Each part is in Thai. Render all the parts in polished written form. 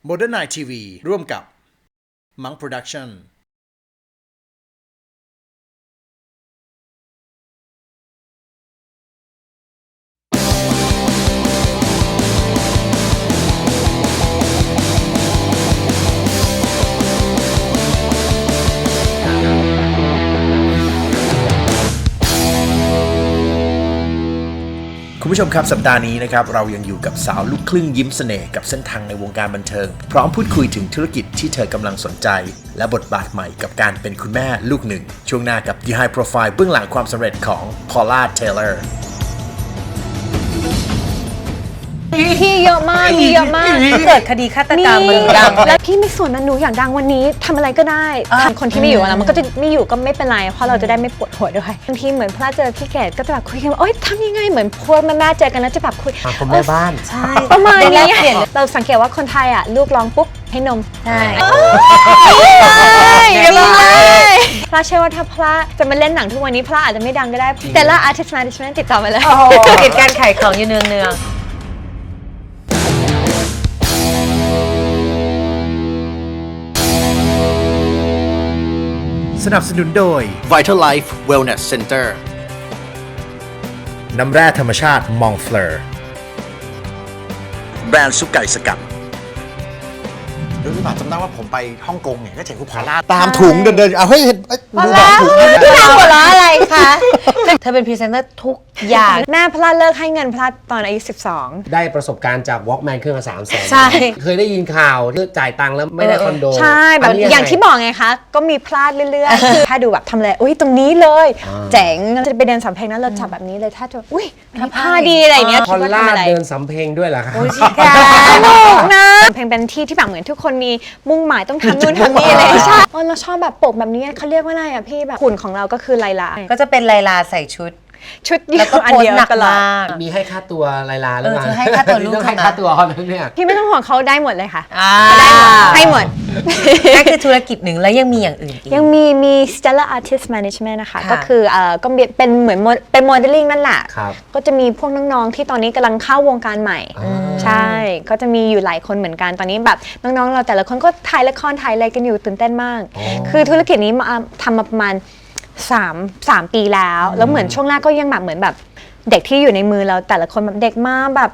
Modern Night TV ร่วมกับ Monk Productionคุณผู้ชมครับสัปดาห์นี้นะครับเรายังอยู่กับสาวลูกครึ่งยิ้มเสน่ห์กับเส้นทางในวงการบันเทิงพร้อมพูดคุยถึงธุรกิจที่เธอกำลังสนใจและบทบาทใหม่กับการเป็นคุณแม่ลูกหนึ่งช่วงหน้ากับ The High Profile เบื้องหลังความสำเร็จของ Paula Taylor พี่เยอะมากเกิดคดีฆาตกรรมมันดังแล้วพี่ไม่สนนะหนูอยากดังวันนี้ทำอะไรก็ได้คนที่ไม่อยู่แล้วมันก็จะไม่อยู่ก็ไม่เป็นไรเพราะเราจะได้ไม่ปวดหัวด้วยบางทีเหมือนพระเจอพี่เกดก็จะแบบคุยกันว่าโอ๊ยทำยังไงเหมือนพวกแม่เจอกันแล้วจะแบบคุยคนแม่บ้านใช่ประมาณนี้เราสังเกตว่าคนไทยอ่ะลูกร้องปุ๊บให้นมใช่พระเชื่อว่าถ้าพระจะมาเล่นหนังทุกวันนี้พระอาจจะไม่ดังก็ได้แต่ละ artist management ติดต่อมาเลยติดการขายของอยู่เนืองสนับสนุนโดย Vital Life Wellness Center น้ำแร่ธรรมชาติ Montfleur แบรนด์ซุปไก่สกัดรู้หรือเปล่าจำได้ว่าผมไปฮ่องกงเนี่ยก็เห็นคุณพอลล่าตามถุงเดินๆเอาเฮ้ยดูแบบถุงพี่ทำหัวเราะอะไรคะเธอเป็นพรีเซนเตอร์ทุกอย่างแม่พระเลิกให้เงินพระตอนอายุ12 ได้ประสบการณ์จาก Walkman เครื่องละ300,000 ใช่เคยได้ยินข่าวที่จ่ายตังค์แล้วไม่ได้คอนโดใช่แบบอย่างที่บอกไงคะก็มีพลาดเรื่อยๆคือถ้าดูแบบทำอะไรอุ้ยตรงนี้เลยเจ๋งจะไปเดินสำเพ็งนั้นเราจับแบบนี้เลยถ้าจะอุ้ยผ้าดีอะไรเงี้ยพอลล่าเดินสำเพ็งด้วยเหรอคะโอ้ยชิคาสนุกนะสำเพ็งเป็นที่ที่แบบเหมือนทุกคนมีมุ่งหมายต้องทำนู่นทำนี่เลยใช่เราชอบแบบปกแบบนี้เขาเรียกว่าอะไรอ่ะพี่แบบหุ่นของเราก็คือไลลาก็จะเป็นไลลาใส่ชุดแล้วก็โพสหนักมากมีให้ค่าตัวไลลาหรือเปล่าให้ค่าตัวลูกให้ค่าตัวเขาเนี่ยพี่ไม่ต้องห่วงเขาได้หมดเลยค่ะให้หมดนั่นคือธุรกิจหนึ่งแล้วยังมีอย่างอื่นอีกยังมี Stellar Artist Management นะคะก็คือก็เป็นเหมือนเป็นโมเดลลิ่งนั่นแหละก็จะมีพวกน้องๆที่ตอนนี้กำลังเข้าวงการใหม่ใช่ก็จะมีอยู่หลายคนเหมือนกันตอนนี้แบบน้องๆเราแต่ละคนก็ถ่ายละครถ่ายอะไรกันอยู่ตื่นเต้นมากคือธุรกิจนี้ทำมาประมาณ3 ปีแล้วเหมือนช่วงแรกก็ยังแบบเหมือนแบบเด็กที่อยู่ในมือเราแต่ละคนแบบเด็กมาแบบ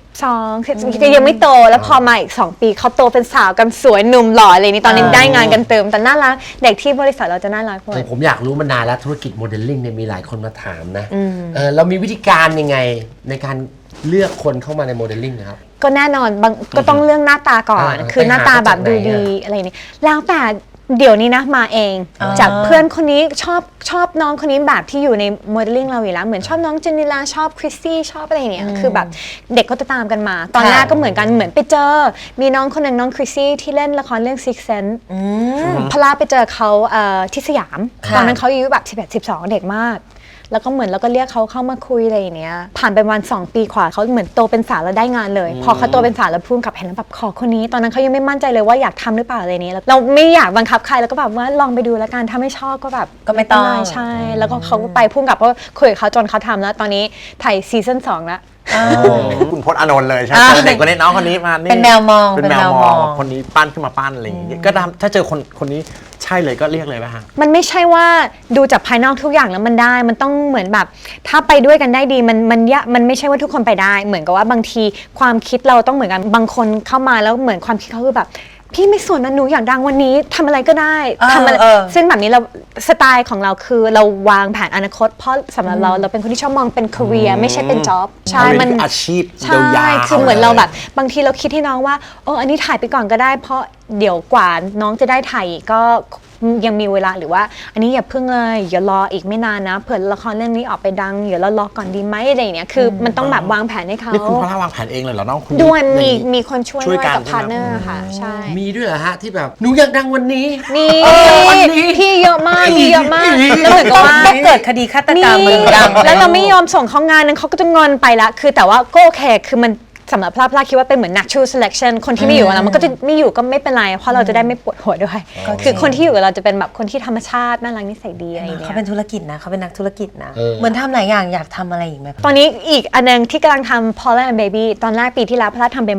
12ยังไม่โตแล้วพอมาอีก2 ปีเขาโตเป็นสาวกันสวยหนุ่มหล่ออะไรนี่ตอนนี้ได้งานกันเติมแต่น่ารักเด็กที่บริษัทเราจะน่ารักหมดผมอยากรู้มานานแล้วธุรกิจโมเดลลิ่งเนี่ยมีหลายคนมาถามนะเรามีวิธีการยังไงในการเลือกคนเข้ามาในโมเดลลิ่งนะครับก็แน่นอนก็ต้องเรื่องหน้าตาก่อนคือหน้าตาแบบดูดีอะไรนี่แล้วแต่เดี๋ยวนี้นะมาเองจากเพื่อนคนนี้ชอบน้องคนนี้แบบที่อยู่ในโมเดลลิ่งเราอยู่แล้วเหมือนชอบน้องเจนนิลาชอบคริสซี่ชอบอะไรอย่างเงี้ยคือแบบเด็กก็จะตามกันมาตอนแรกก็เหมือนกันเหมือนไปเจอมีน้องคนหนึ่งน้องคริสซี่ที่เล่นละครเรื่อง Six Sense พลาไปเจอเขาที่สยามตอนนั้นเขาอายุแบบ11-12เด็กมากแล้วก็เหมือนเราก็เรียกเขาเข้ามาคุยอะไรอย่างเนี้ยผ่านไปวัน2 ปีกว่าเขาเหมือนโตเป็นสาวแล้วได้งานเลยพอเขาโตเป็นสาวแล้วพูดกับเห็นแล้วแบบขอคนนี้ตอนนั้นเขายังไม่มั่นใจเลยว่าอยากทำหรือเปล่าอะไรนี้เราไม่อยากบังคับใครแล้วก็แบบว่าลองไปดูแล้วกันถ้าไม่ชอบก็แบบก็ไม่ต้องใช่แล้วก็เขาก็ไปพูดกับว่าคุยกับเขาจนเขาทำแล้วตอนนี้ถ่ายซีซั่น2แล้วคุณพจน์อานนท์เลยใช่ไหมเด็กคนนี้น้องคนนี้มานี่เป็นแมวมองคนนี้ปั้นขึ้นมาปั้นอะไรอย่างเงี้ยก็ถ้าเจอคนนี้ใช่เลยก็เรียกเลยป่ะฮะมันไม่ใช่ว่าดูจากภายนอกทุกอย่างแล้วมันได้มันต้องเหมือนแบบถ้าไปด้วยกันได้ดีมันไม่ใช่ว่าทุกคนไปได้เหมือนกับว่าบางทีความคิดเราต้องเหมือนกันบางคนเข้ามาแล้วเหมือนความคิดเขาคือแบบพี่ไม่สนนะหนูอยากดังวันนี้ทำอะไรก็ได้ทำอะไรซึ่งแบบนี้เราสไตล์ของเราคือเราวางแผนอนาคตเพราะสำหรับเราเป็นคนที่ชอบมองเป็น career ไม่ใช่เป็น job ใช่มันอาชีพยาวๆคือเหมือนเราแบบบางทีเราคิดให้น้องว่าอันนี้ถ่ายไปก่อนก็ได้เพราะเดี๋ยวกว่าน้องจะได้ถ่ายก็ยังมีเวลาหรือว่าอันนี้อย่าเพิ่งเลยอย่ารออีกไม่นานนะเผื่อละครเรื่องนี้ออกไปดังเดี๋ยวเรารอก่อนดีไหมอะไรอย่างเงี้ยคือมันต้องแบบวางแผนให้เขานี่คุณพลาวางแผนเองเลยเหรอน้องคุณด้วยมีคนช่วยกับพาร์ทเนอร์ค่ะใช่มีด้วยเหรอฮะที่แบบหนูอยากดังวันนี้มีพี่เยอะมากแล้วเหมือนกับว่าเกิดคดีฆาตกรรมมันดังแล้วเราไม่ยอมส่งเขางานนึงเขาก็จะงอนไปละคือแต่ว่าก็โอเคคือมันสำหรับพลาคิดว่าเป็นเหมือน natural selection คนที่ไม่อยู่กับเรามันก็จะไม่อยู่ก็ไม่เป็นไรเพราะเราจะได้ไม่ปวดหัวด้วยคือคนที่อยู่กับเราจะเป็นแบบคนที่ธรรมชาติน่ารักนิสัยดีอะไรอย่างเงี้ยเขาเป็นธุรกิจนะเขาเป็นนักธุรกิจนะเหมือนทำหลายอย่างอยากทำอะไรอีกไหมตอนนี้อีกอันนึงที่กำลังทำ Paula and Baby ตอนแรกปีที่แล้วพลาทำเป็นบล็อก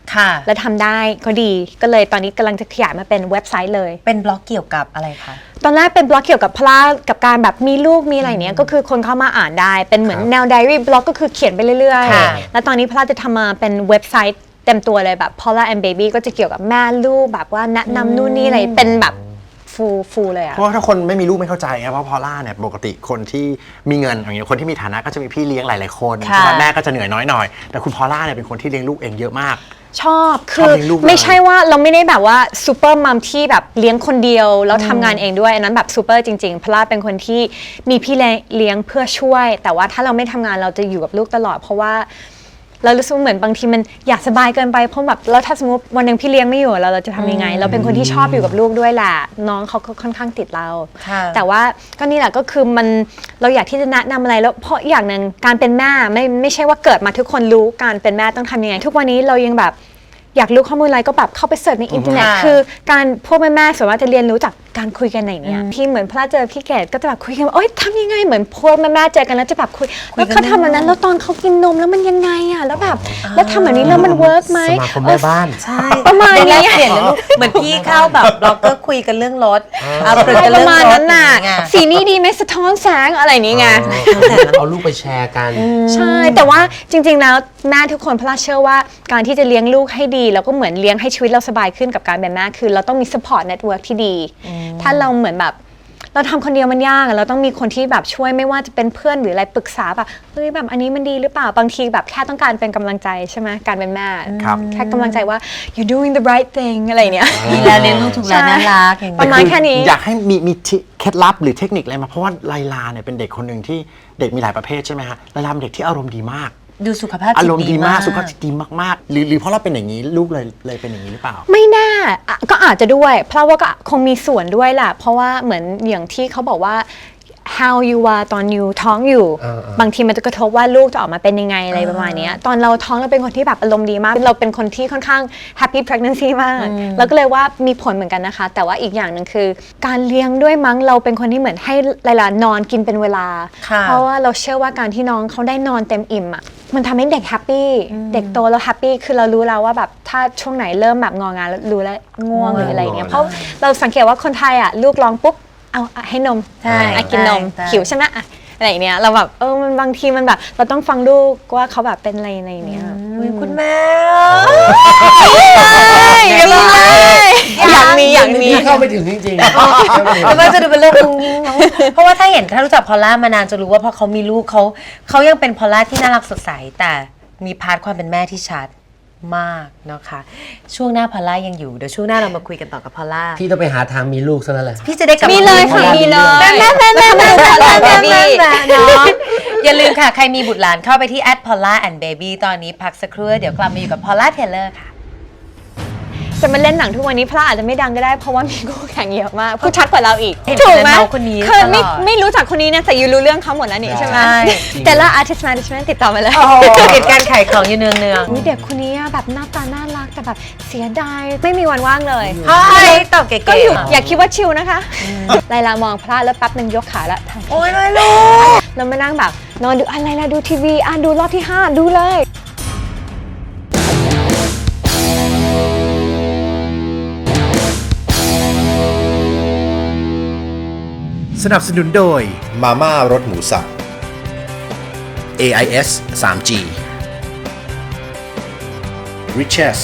ค่ะแล้วทำได้ก็ดีก็เลยตอนนี้กำลังจะขยายมาเป็นเว็บไซต์เลยเป็นบล็อกเกี่ยวกับอะไรคะตอนแรกเป็นบล็อกเกี่ยวกับพระกับการแบบมีลูกมีอะไรเนี้ยก็คือคนเข้ามาอ่านได้เป็นเหมือนแนวไดอารี่บล็อกก็คือเขียนไปเรื่อยค่ะๆแล้วตอนนี้พระจะทำมาเป็นเว็บไซต์เต็มตัวเลยแบบ Paula and Baby ก็จะเกี่ยวกับแม่ลูกแบบว่าแนะนำนู่นนี่อะไรเป็นแบบฟูเลยอะเพราะว่าถ้าคนไม่มีลูกไม่เข้าใจไงเพราะพอลล่าเนี่ยปกติคนที่มีเงินอย่างเงี้ยคนที่มีฐานะก็จะมีพี่เลี้ยงหลายๆคนค่ะใช่ไหมแม่ก็จะเหนื่อยน้อยหน่อยแต่คุณพอลล่าเนี่ยเป็นคนที่เลี้ยงลูกเองเยอะมากชอบชคือบอเลี้ยงลูกเลยไม่ใช่ว่าเราไม่ได้แบบว่าซูเปอร์มัมที่แบบเลี้ยงคนเดียวแล้วทำงานเองด้วยอันนั้นแบบซูเปอร์จริงๆเพราะว่าเป็นคนที่มีพี่เลี้ยงเพื่อช่วย แต่ว่าถ้าเราไม่ทำงานเราจะอยู่กับลูกตลอด เพราะว่าเรารู้สึกเหมือนบางทีมันอยากสบายเกินไปเพราะแบบแล้วถ้าสมมติวันหนึ่งพี่เลี้ยงไม่อยู่เราจะทำยังไง เราเป็นคนที่ชอบอยู่กับลูกด้วยแหละน้องเขาก็ค่อนข้างติดเราค่ะแต่ว่าก็นี่แหละก็คือมันเราอยากที่จะแนะนำอะไรแล้วเพราะอย่างหนึ่งการเป็นแม่ไม่ใช่ว่าเกิดมาทุกคนรู้การเป็นแม่ต้องทำยังไงทุกวันนี้เรายังแบบอยากรู้ข้อมูลอะไรก็แบบเข้าไปเสิร์ชในอินเทอร์เน็ตค่ะคือการพวกแม่ๆส่วนมากจะเรียนรู้จากการคุยกันไหนเนี่ยพี่เหมือนพระเจอพี่เกดก็จะแบบคุยกันว่าโอ๊ยทำยังไงเหมือนพวกแม่ๆเจอกันแล้วจะแบบคุยแล้วเขาทำแบบนั้นแล้วตอนเขากินนมแล้วมันยังไงอ่ะแล้วแบบแล้วทำแบบนี้แล้วมันเวิร์กไหมสมาคมแม่บ้านใช่ประมาณนี้แลกเปลี่ยนนะลูกเหมือนพี่เข้าแบบบล็อกเกอร์คุยกันเรื่องรถเอาคุยกันปเรื่อระงมาณรถนั้นน่ะอย่างเงี้ยสีนี้ดีไหมสะท้อนแสงอะไรนี้ไงเอาลูกไปแชร์กันใช่ แต่ว่าจริงๆ แล้วแม่ทุกคนพระเชื่อว่าการที่จะเลี้ยงลูกให้ดีแล้วก็เหมือนเลี้ยงให้ชีวิตเราสบายขึ้นกับการเป็นแม่คือเราต้องมี support network ที่ดี ถ้าเราเหมือนแบบเราทำคนเดียวมันยากอะเราต้องมีคนที่แบบช่วยไม่ว่าจะเป็นเพื่อนหรืออะไรปรึกษาแบบเฮ้ยแบบอันนี้มันดีหรือเปล่าบางทีแบบแค่ต้องการเป็นกำลังใจใช่ไหมการเป็นแม่ครับแค่กำลังใจว่า you're doing the right thing อะไรเนี้ยดีแล้วเลี้ยงลูกถูกแล้วน่ารักอย่างประเงี้ยมาณแค่นี้อยากให้มีเคล็ดลับหรือเทคนิคอะไรมาเพราะว่าไลลาเนี่ยเป็นเด็กคนหนึ่งที่เด็กมีหลายประเภทใช่ไหมฮะไลลาเป็นเด็กที่อารมณ์ดีมากดูสุขภาพอาจิตรมณ์ดีมากสุขภาพมจิตดีมากๆหรือเพราะเราเป็นอย่างนี้ลูกเลยเป็นอย่างนี้หรือเปล่าไม่น่าอ่ะก็อาจจะด้วย เพราะว่าก็คงมีส่วนด้วยแหละเพราะว่าเหมือนอย่างที่เขาบอกว่า how you are ตอนอยู่ท้องอยู่ บางทีมันจะกระทบว่าลูกจะออกมาเป็นยังไงอะไรประมาณเนี้ยตอนเราท้องเราเป็นคนที่แบบอารมณ์ดีมาก เราเป็นคนที่ค่อนข้าง happy pregnancy มากแล้วก็เลยว่ามีผลเหมือนกันนะคะ แต่ว่าอีกอย่างหนึ่งคือ การเลี้ยงด้วยมั้งเราเป็นคนที่เหมือนให้หลายๆนอนกินเป็นเวลาค่ะเพราะว่าเราเชื่อว่าการที่น้องเขาได้นอนเต็มอิ่มอ่ะมันทำให้เด็กแฮปปี้เด็กโตแล้วแฮปปี้คือเรารู้แล้วว่าแบบถ้าช่วงไหนเริ่มแบบงองานแล้วรู้แล้วง่วงหรืออะไรเงี้ยเพราะเราสังเกตว่าคนไทยอ่ะลูกร้องปุ๊บเอาให้นมใช่กินนมใช่หิวใช่ไหมอะอะไรอย่างเนี้ยเราแบบมันบางทีมันแบบเราต้องฟังลูกว่าเขาแบบเป็นอะไรในเนี้ยอุ๊ยคุณแม่อยากมีเข้าไปถึงจริงๆแล้วมันจะดูเป็นเรื่องงุ้งงิ้งเนอะเพราะว่าถ้ารู้จักพอลล่ามานานจะรู้ว่าพอเขามีลูกเขายังเป็นพอลล่าที่น่ารักสดใสแต่มีพาร์ทความเป็นแม่ที่ชัดมากนะคะ ช่วงหน้าพอลล่ายังอยู่เดี๋ยวช่วงหน้าเรามาคุยกันต่อกับพอลล่าพี่ต้องไปหาทางมีลูกซะแล้วแหละพี่จะได้กลับมีเลยค่ะามีเลยแม่เนาะอย่าลืมค่ะ ใครมีบุตรหลานเข้าไปที่ @paula&baby ตอนนี้พักสักครู่เดี๋ยวกลับมาอยู่กับ Paula Taylor ค่ะจะมาเล่นหนังทุกวันนี้พระอาจจะไม่ดังก็ได้เพราะว่ามีคู่แข่งเยอะมากพูดชัดกว่าเราอีกเห็นถูกไหมแต่น้องคนนี้คือไม่ตลอดไม่รู้จักคนนี้นะแต่ยูรู้เรื่องเขาหมดแล้วนี่ใช่ไหมใช่แต่ละ artist management ติดต่อมาเลยติดการขายของอยู่เนืองอุ๊ยเด็กคนนี้อะแบบหน้าตาน่ารักแต่แบบเสียดายไม่มีวันว่างเลยๆเฮ้ยตอบเก๋ๆก็อยู่อย่าคิดว่าชิลนะคะไลลามองพระแล้วแป๊บหนึ่งยกขาแล้วโอ๊ยไม่รู้แล้วมานั่งแบบนอนดูอะไรล่ะดูทีวีดูรอบที่ 5 ดูเลยสนับสนุนโดยมาม่ารสหมูสับ AIS 3G Riches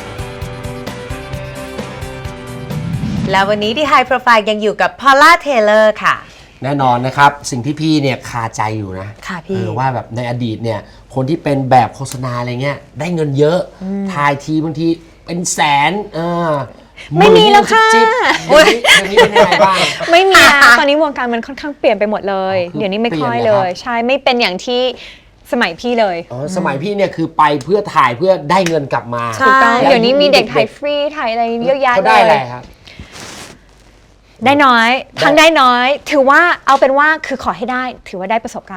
แล้ววันนี้ที่ High Profile ยังอยู่กับ Paula Taylor ค่ะแน่นอนนะครับ สิ่งที่พี่เนี่ยคาใจอยู่นะค่ะพี่ว่าแบบในอดีตเนี่ยคนที่เป็นแบบโฆษณาอะไรเงี้ยได้เงินเยอะถ่ายทีบางทีเป็นแสนไม่มีแล้วค่ะจิ๊บๆเดี๋ยวนี้เป็นยังไงบ้างไม่มีนะตอนนี้วงการมันค่อนข้างเปลี่ยนไปหมดเลยคือเดี๋ยวนี้ไม่ค่อยเปลี่ยนเหรเลอครับย ใช่ไม่เป็นอย่างที่สมัยพี่เลยสมัยพี่เนี่ยคือไปเพื่อถ่ายเพื่อได้เงินกลับมาถูกต้องแล้วเดี๋ยวนี้มีเด็กถ่ายฟรีถ่ายอะไรเยอะแยะเขาเลได้อะไรยครับได้น้อยทั้งได้น้อย ถือว่าเอาเป็นว่าคือขอให้ได้ถือว่าได้ประสบการณ์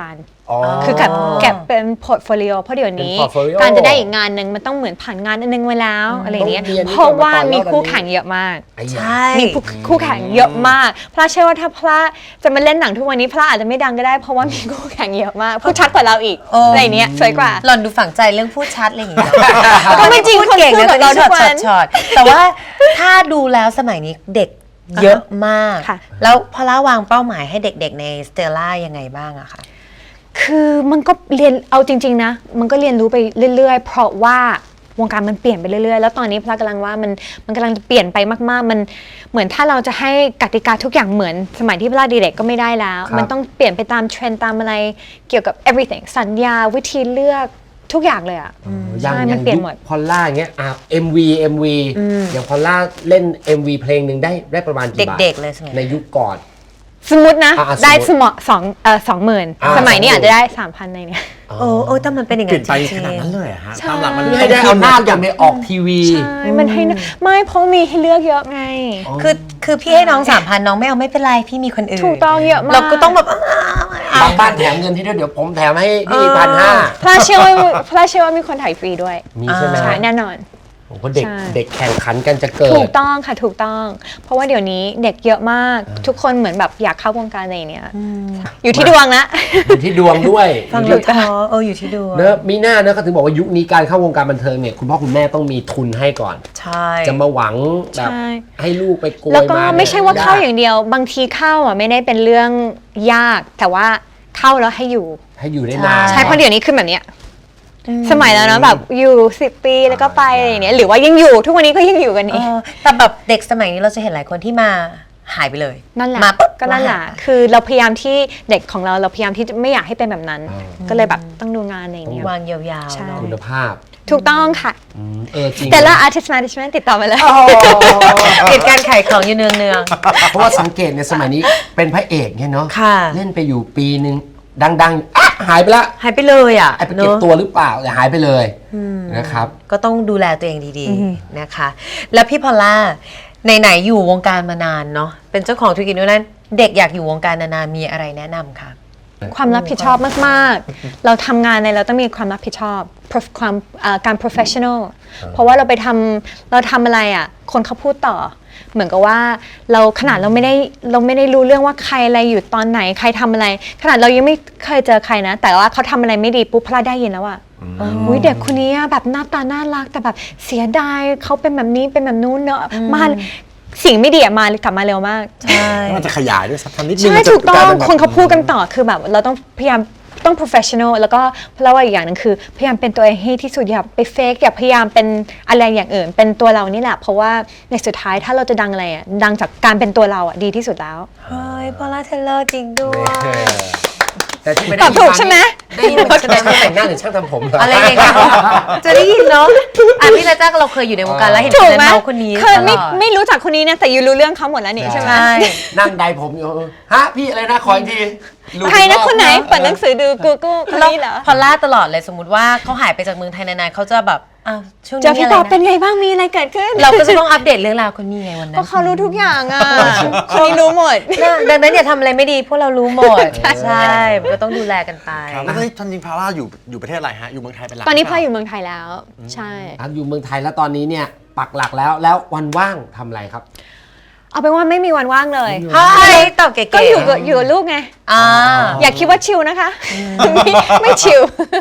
คือเก็บเป็นพอร์ตโฟลิโอเพราะเดี๋ยวนี้เป็น portfolio การจะได้อีกงานหนึ่งมันต้องเหมือนผ่านงานอันนึงไว้แล้วอะไรอย่างเงี้ยต้องเรียนเพราะว่าก่อนมีแล้วคู่ตอนนี้แข่งเยอะมากไอ้ใชยา่มีคู่แข่งเยอะมากพระเชื่อว่าถ้าพระจะมาเล่นหนังทุกวันนี้พระอาจจะไม่ดังก็ได้เพราะว่ามีคู่แข่งเยอะมากพูดชัดกว่าเราอีกโอ้อะไรเนี้ยสวยกว่าหล่อนดูฝังใจเรื่องพูดชัดอะไรอย่างเงี้ยก็ไม่จริงพูดเก่งคนพูดนะแบบเราทุกวันช็อตแต่ว่าถ้าดูแล้วสมัยนี้เด็กเยอะมากค่ะแล้วพอล่าวางเป้าหมายให้เด็กๆในสเตลล่ายังไงบ้างอะคะคือมันก็เรียนเอาจริงๆนะมันก็เรียนรู้ไปเรื่อยๆ เพราะว่าวงการมันเปลี่ยนไปเรื่อยๆแล้วตอนนี้พระกำลังว่ามันกำลังจะเปลี่ยนไปมากๆมันเหมือนถ้าเราจะให้กติกาทุกอย่างเหมือนสมัยที่พระเด็กๆก็ไม่ได้แล้วครับมันต้องเปลี่ยนไปตามเทรนด์ตามอะไรเกี่ยวกับ everything สัญญาวิธีเลือกทุกอย่างเลยอ่ะอย่างใช่อมัย่าน งเปลี่ยนยุคหมดพอลล่าอย่างเงี้ยMV อย่างพอลล่าเล่น MV เพลงหนึ่งได้ประมาณกี่บาทเด็กๆเลยสมัยในยุคก่อนสมมตินะอ่ะได้สมมุติ 20,000 สมัยนี้อาจจะได้ 3,000ในเนี่ยโอ้แต่มันเป็นอย่างเปลี่นั้ยนนไปจริขงนาดนั้นเลยเหรอฮะตามหลักมันเพื่อให้ได้เอาหน้าอย่างไปออกทีวีใช่มันให้นะไม่เพราะมีให้เลือกเยอะไงคือพี่ให้น้อง 3,000 น้องไม่เอาไม่เป็นไรพี่มีคนอื่นถูกต้องเยอะมากเราก็ต้องแบบบางบ้านแถมเงินที่ด้วยเดี๋ยวผมแถมให้พี่1,500 พระเชื่อว่ามีคนถ่ายฟรีด้วยมีใช่ไหมใช่แน่นอนผมว่าเด็กใช่เด็กแข่งขันกันจะเกิถูดกต้องค่ะถูกต้อง เพราะว่าเดี๋ยวนี้เด็กเยอะมาก ทุกคนเหมือนแบบอยากเข้าวงการอะไรเนี้ยอยู่ที่ดวงละอยู่ที่ดวงด้วยฟังอดูยู่ที่ท้ออยู่ที่ดูเนอะมีหน้าเนอะเขาถึงบอกว่ายุคนี้การเข้าวงการบันเทิงเนี่ยคุณพ่อคุณแม่ต้องมีทุนให้ก่อนใช่จะมาหวังแบบใช่ให้ลูกไปโกยแล้วก็มาเนี่ยไม่ใช่ว่าเข้าอย่างเดียว บางทีเข้าอ่ะไม่ได้เป็นเรื่องยาก แต่ว่าเข้าแล้วให้อยู่ให้อยู่ได้นานใช่เพราะเดี๋ยวนี้คือแบบเนี้ยสมัยแล้วเนาะแบบอยู่10 ปีแล้วก็ไปอะไรอย่างเนี้ยหรือว่ายังอยู่ทุกวันนี้ก็ยังอยู่กันนี่แต่แบบเด็กสมัยนี้เราจะเห็นหลายคนที่มาหายไปเลยนั่นแหละมาปุ๊บก็นั่นแหละคือเราพยายามที่เด็กของเราพยายามที่จะไม่อยากให้เป็นแบบนั้น ก็เลยแบบต้องดูงานอะไรอย่างเงี้ยวางยาวๆใช่เนาะคุณภาพถูกต้องค่ะจริงแต่ละ artist management ติดต่อมาเลยติดการขายของอยู่เนืองเพราะว่าสังเกตในสมัยนี้เป็นพระเอกเนี่ยเนาะค่ะเล่นไปอยู่ปีหนึ่งดังๆอ่ะหายไปละๆหายไปเลยอ่ะไอ้ไปเก็บเนอะตัวหรือเปล่าแต่หายไปเลยนะครับก็ต้องดูแลตัวเองดีๆนะคะ แล้วพี่พอลล่าไหนๆอยู่วงการมานานเนาะเป็นเจ้าของธุรกิจด้วยนั้นเด็กอยากอยู่วงการนานๆมีอะไรแนะนำคะความรับผิดชอบมากๆ เราทำงานอะไรเราต้องมีความรับผิดชอบ การ professional เพราะว่าเราทำอะไรอ่ะคนเขาพูดต่อ เหมือนกับว่าเราขนาดเราไม่ได้รู้เรื่องว่าใครอะไรอยู่ตอนไหนใครทำอะไร ขนาดเรายังไม่เคยเจอใครนะ แต่ว่าเขาทำอะไรไม่ดีปุ๊บพลาดได้ยินแล้วอ่ะอุ๊ยเด็กคนนี้อะแบบหน้าตาน่ารักแต่แบบเสียดายเขาเป็นแบบนี้เป็นแบบนู้นเนอะมาสิ่งไม่ดีอะกลับมาเร็วมากใช่มันจะขยายด้วยสักทำนิดนึงใช่มันจะถูกต้องลายเป็นแบบคนเขาพูดกันต่อคือแบบเราต้องพยายามต้อง professional แล้วก็เพราะว่าอีกอย่างหนึงคือพยายามเป็นตัวเองให้ที่สุดอย่าไปเฟกอย่าพยายามเป็นอะไรอย่างอื่น เป็นตัวเรานี่แหละเพราะว่าในสุดท้ายถ้าเราจะดังอะไรอ่ะดังจากการเป็นตัวเราอ่ะดีที่สุดแล้วเฮ้ยพอลล่าเทเลอร์จริงด้วยแต่ที่ไม่ตได้อบถูกใช่ไหมได้ยินว่าช่างแต่งหน้าหรือช่างทำผมเหรออะไรอย่างเงี้ยจะได้ยินเนาะพี่ละจ้าเราเคยอยู่ในวงการแล้วเห็นถูกคนไหมนั้นเมาคนนี้เคยตลอดไม่รู้จักคนนี้นะแต่ยูรู้เรื่องเขาหมดแล้วนี่ใช่ไหมใช่นั่งใดผมอยู่ฮะพี่อะไรนะขออีกทีรู้ใครนะรอบคนไหนเปิดหนังสือดู Google คนนี้เหรอพอลล่าตลอดเลยสมมติว่าเขาหายไปจากเมืองไทยนานๆเขาจะแบบอ้าวช่วงเจอนี้พี่อะไรตอบเป็นนะไงบ้างมีอะไรเกิดขึ้นเราก็จะต้องอัปเดตเรื่องราวคนนี้ไงวันนั้เพนราะเขารู้ทุกอย่างอ่ะคนนี้รู้หมดดังนั้นอย่าทำอะไรไม่ดีพวกเรารู้หมดใช่ก็ต้องดูแลกันไปครับแล้วตอนจริงพาร่าอยู่ประเทศอะไรฮะ อยู่เมืองไทยเป็นหลักตอนนี้หรืพ่อเปล่าอยู่เมืองไทยแล้ว ใช่ครับอยู่เมืองไทยแล้วตอนนี้เนี่ยปักหลักแล้ววันว่างทำอะไรครับเอาเป็นว่าไม่มีวันว่างเลยเฮ้ยตอบเก๋ๆก็อยู่กับลูกไงอ่าอย่าคิดว่าชิลนะคะ ไม่ชิล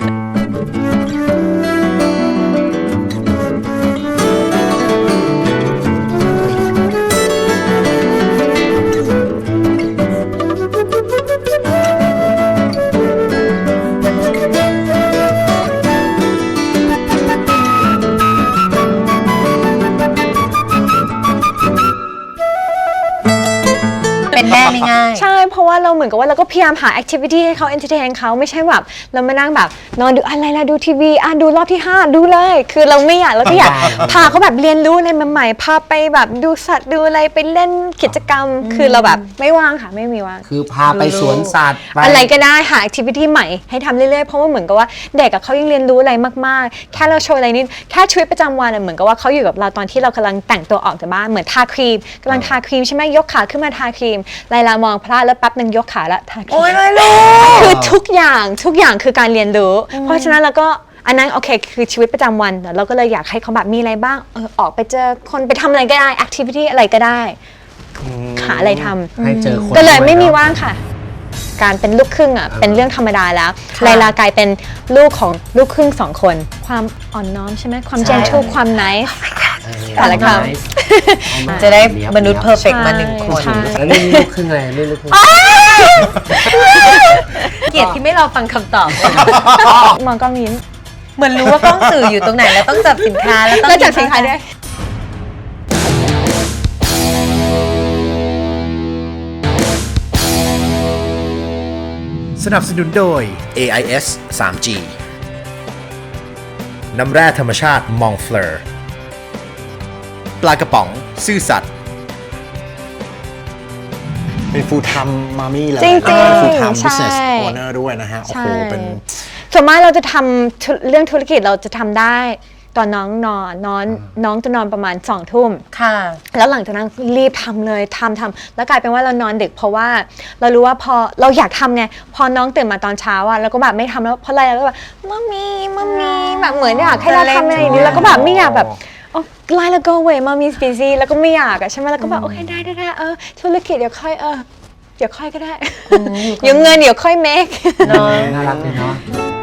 เป็นแม่ไม่ง่ายใช่ เพราะว่าเราเหมือนกับว่าเราก็พยายามหาแอคทิวิตี้ให้เขาเอนเตอร์เทนเขาไม่ใช่แบบเรามานั่งแบบนอนดูอะไรล่ะดูทีวีดูรอบที่ 5 ดูเลย คือเราไม่อยากเราก็อยากพาเขาแบบเรียนรู้อะไรใหม่ๆพาไปแบบดูสัตว์ดูอะไรไปเล่นกิจกรรม คือเราแบบไม่ว่างค่ะไม่มีว่างคือพาไปสวนสัตว์ปอะไรก็ได้หาแอคทิวิตี้ใหม่ให้ทำเรื่อยๆ เพราะว่าเหมือนกับว่าเด็กเขายังเรียนรู้อะไรมากๆ แค่เราโชว์อะไรนี่แค่ชีวิตประจำวันเหมือนกับว่าเขาอยู่กับเราตอนที่เรากำลังแต่งตัวออกจากบ้านเหมือนทาครีมกำลังทาครีมใช่ไหมยกขาขึ้นมาทาครีมไลลามองพระแล้วแล้วแป๊บหนึ่งยกขาละทาครีมโอ้ยไม่รู้คือทุกอย่างคือการเรียนรู้ เพราะฉะนั้นเราก็อันนั้นโอเคคือชีวิตประจำวันเราก็เลยอยากให้เขาแบบมีอะไรบ้างออกไปเจอคนไปทำอะไรก็ได้ activity อะไรก็ได้หาอะไรทำให้เจอคนก็เลยไม่มีด้วยเนอะว่างค่ะ การเป็นลูกครึ่งอ่ะเป็นเรื่องธรรมดาแล้วไลลากลายเป็นลูกของลูกครึ่ง2 คน ความอ่อนน้อมใช่ไหมความ gentle ความ nice แต่ละคำจะได้มนุษย์เพอร์เฟกต์มา1 คนใช่แล้วนี่ลูกครึ่งอะไรนี่ลูกครึ่งเกลียดที่ไม่รอฟังคำตอบมองกล้องยิ้มเหมือนรู้ว่ากล้องสื่ออยู่ตรงไหนแล้วต้องจับสินค้าแล้วต้องแล้วจับสินค้าด้วยสนับสนุนโดย AIS 3G น้ำแร่ธรรมชาติมองเฟลอร์ปลากระป๋องซื่อสัตย์เป็น full time mommy เลยจริงๆเป็น full time ใช่ business owner ด้วยนะฮะ โอ้โห เป็นส่วนมากเราจะทำเรื่องธุรกิจเราจะทำได้ตอนน้องนอนน้องจะนอนประมาณ2 ทุ่มค่ะแล้วหลังจากนั้นรีบทำเลยทำแล้วกลายเป็นว่าเรานอนดึกเพราะว่าเรารู้ว่าพอเราอยากทำไงพอน้องตื่นมาตอนเช้าอ่ะเราก็แบบไม่ทำแล้วเพราะอะไรเราก็แบบมัมมี่แบบเหมือนอยากให้เราทำอะไรอย่างนี้แล้วก็แบบไม่อยากแบบโอ้ไลน์แล้ว go away มัมมี่ busy แล้วก็ไม่อยากอะใช่ไหมแล้วก็แบบโอเคได้ธุรกิจเดี๋ยวค่อยเดี๋ยวค่อยก็ได้เดี๋ยวเงินเดี๋ยวค่อย make น่ารักเลยเนาะ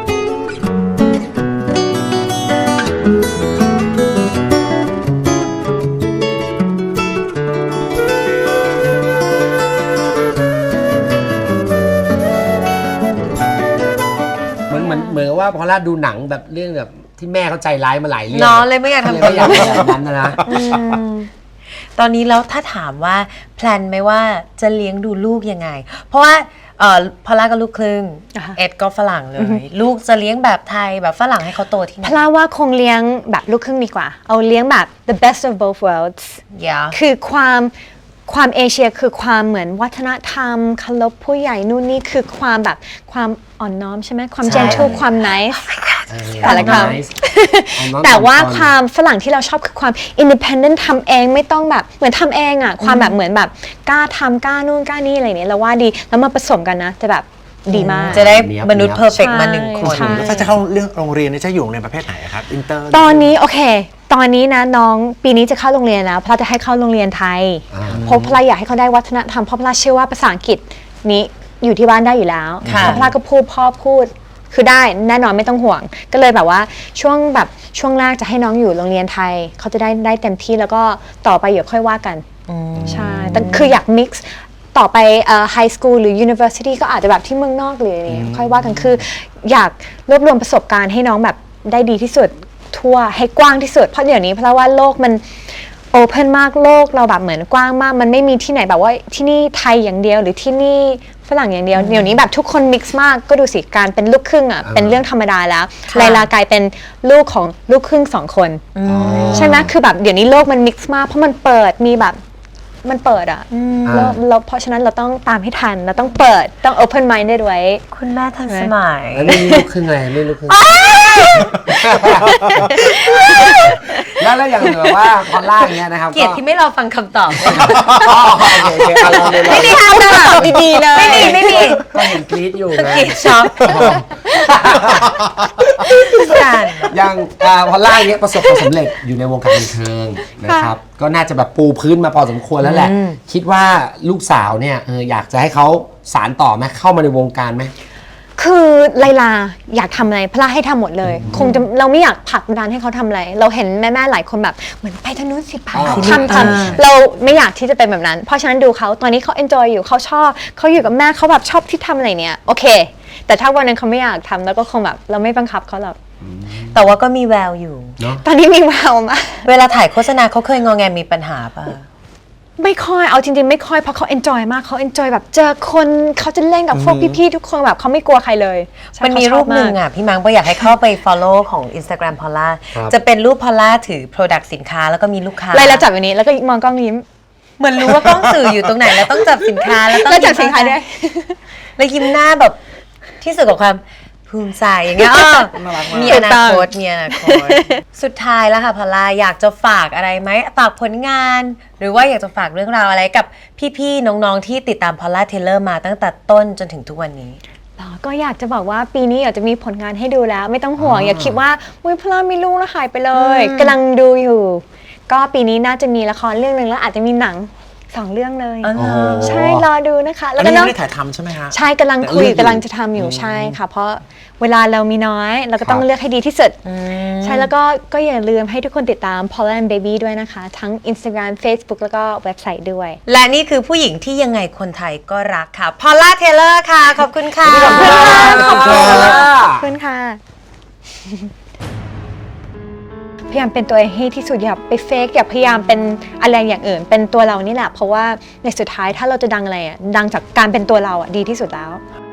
เหมือนว่าพอลล่าดูหนังแบบเรื่องแบบที่แม่เขาใจร้ายมาหลายเรื่องเนาะเลยไม่อยากทำไม่อยากเป็นแบบนั้นนะตอนนี้แล้วถ้าถามว่าแพลนไหมว่าจะเลี้ยงดูลูกยังไง เพราะว่าพอลล่าก็ลูกครึ่งอ่าฮะเอ็ดก็ฝรั่งเลย ลูกจะเลี้ยงแบบไทยแบบฝรั่งให้เขาโตที่ไหนพลาว่าคงเลี้ยงแบบลูกครึ่งดีกว่า เอาเลี้ยงแบบ the best of both worlds อย่าคือความเอเชียคือความเหมือนวัฒนธรรมเคารพผู้ใหญ่นู่นนี่คือความแบบความอ่อนน้อมใช่ไหมความ gentle ความ nice แต่ละคำแต่ว่าความฝรั่งที่เราชอบคือความ independent ทำเองไม่ต้องแบบเหมือนทำเองอ่ะความแบบเหมือนแบบกล้าทำกล้านู่นกล้านี่อะไรเนี้ยเราว่าดีแล้วมาผสมกันนะจะแบบดีมากจะได้มนุษย์เพอร์เฟกต์มาใช่ 1 คนใช่แล้วถ้าจะเข้าเรื่องโรงเรียนนี่จะอยู่ในประเภทไหนครับ อินเตอร์ตอนนี้โอเค ตอนนี้นะน้องปีนี้จะเข้าโรงเรียนแล้วเพราะจะให้เข้าโรงเรียนไทยเพราะพลาอยากให้เขาได้วัฒนธรรมเพราะพลาเชื่อว่าภาษาอังกฤษนี้อยู่ที่บ้านได้อยู่แล้วค่ะเพราะพลาก็พูดพ่อพูดคือได้แน่นอนไม่ต้องห่วง ก็เลยแบบว่าช่วงแรกจะให้น้องอยู่โรงเรียนไทยเขาจะได้เต็มที่แล้วก็ต่อไปเดี๋ยวค่อยว่ากันใช่แต่คืออยาก mix ต่อไปhigh school หรือ university ก็อาจจะแบบที่เมืองนอกหรืออะไรอย่างเงี้ยค่อยว่ากันคืออยากรวบรวมประสบการณ์ให้น้องแบบได้ดีที่สุดทั่วให้กว้างที่สุดเพราะเดี๋ยวนี้เพราะว่าโลกมันโอเพนมากโลกเราแบบเหมือนกว้างมากมันไม่มีที่ไหนแบบว่าที่นี่ไทยอย่างเดียวหรือที่นี่ฝรั่งอย่างเดียวเดี๋ยวนี้แบบทุกคนมิกซ์มากก็ดูสิการเป็นลูกครึ่งอ่ะเป็นเรื่องธรรมดาแล้วไลลากลายเป็นลูกของลูกครึ่ง2 คนใช่ไหมคือแบบเดี๋ยวนี้โลกมันมิกซ์มากเพราะมันเปิดมีแบบมันเปิดอ่ะแล้วเพราะฉะนั้นเราต้องตามให้ทันเราต้องเปิดต้อง open mind ได้ด้วยคุณแม่ทันสมัยแล้วนี่ลูกครึ่งอะไรนี่ลูกครึ่งแล้วอย่างแบบว่าพอลล่าอย่างเงี้ยนะครับเกลียดที่ไม่รอฟังคำตอบโอเคเอาลองเลยไม่มีทางตอบดีๆเลยไม่มีก็เห็นกรี๊ดอยู่สไงกิดช็อกกันอย่างพอลล่าอย่างเงี้ยประสบความสำเร็จอยู่ในวงการบันเทิงนะครับก็น่าจะแบบปูพื้นมาพอสมควรแล้วแหละ คิดว่าลูกสาวเนี่ยอยากจะให้เขาสานต่อไหมเข้ามาในวงการไหมคือไลลาอยากทำอะไรพลาให้ทำหมดเลย คงจะเราไม่อยากผลักดันให้เขาทำอะไรเราเห็นแม่ๆหลายคนแบบเหมือนไปทางนู้นสิไปทำเราไม่อยากที่จะเป็นแบบนั้น เพราะฉะนั้นดูเขาตอนนี้เขา enjoy อยู่เขาชอบเขาอยู่กับแม่เขาแบบชอบที่ทำอะไรเนี่ยโอเค แต่ถ้าวันนั้นเขาไม่อยากทำแล้วก็คงแบบเราไม่บังคับเขาหรอกแต่ว่าก็มีแววอยู่ตอนนี้มีแววมากเวลาถ่ายโฆษณาเขาเคยงอแงมีปัญหาป่ะไม่ค่อยเอาจริงๆไม่ค่อยเพราะเขา enjoy มากเขา enjoy แบบเจอคนเขาจะเล่นกับพวกพี่ๆทุกคนแบบเขาไม่กลัวใครเลยใช่มันมีเขาชรูอบปหนึ่งมากอ่ะ พี่มังก็อยากให้เข้าไป follow ของ Instagram พอลล่าครับจะเป็นรูปพอลล่าถือ product สินค้าแล้วก็มีลูกค้าไลลาจับอย่างนี้แล้วก็มองกล้องยิ้มเหมือนรู้ว่ากล้องสื่ออยู่ตรงไหนแล้วต้องจับสินค้าแล้วต้องแล้วจับสินค้าด้วยแล้วยิ้มหน้าแบบที่สุดกับความภูมิใจอย่างเงี้ยมีอนาคตมีอนาคต สุดท้ายแล้วค่ะพอลล่าอยากจะฝากอะไรไหมฝากผลงาน หรือว่าอยากจะฝากเรื่องราวอะไรกับพี่ๆน้องๆที่ติดตามพอลล่าเทเลอร์มาตั้งแต่ต้นจนถึงทุกวันนี้ก็อยากจะบอกว่าปีนี้อยากจะมีผลงานให้ดูแล้ว ไม่ต้องห่วงอย่าคิดว่าอุ้ยพลามีลูกแล้วหายไปเลยกำลังดูอยู่ ก็ปีนี้น่าจะมีละครเรื่องหนึ่งแล้วอาจจะมีหนัง 2 เรื่องเลยอ๋อโอ้โหใช่รอดูนะคะอัแล้นวก็นี้ยัเนาะงไม่ได้ถ่ายทำใช่ไหมฮะใช่กำลังคุยแต่เลือกอยู่กำลังจะทำอยู่ใช่ค่ะ เพราะเวลาเรามีน้อยเราก็ต้องครับเลือกให้ดีที่สุด ใช่แล้วก็อย่าลืมให้ทุกคนติดตาม Paula and Baby ด้วยนะคะ ทั้ง Instagram Facebook แล้วก็เว็บไซต์ด้วยและนี่คือผู้หญิงที่ยังไงคนไทยก็รักค่ะพอลล่าเทเลอร์ค่ะ ขอบคุณค่ะขอบคุณค่ะขอบคุณค่ะ พยายามเป็นตัวเองให้ที่สุดอย่าไปเฟกอย่าพยายามเป็นอะไรอย่างอื่น เป็นตัวเรานี่แหละ เพราะว่าในสุดท้ายถ้าเราจะดังอะไรอ่ะดังจากการเป็นตัวเราอ่ะดีที่สุดแล้ว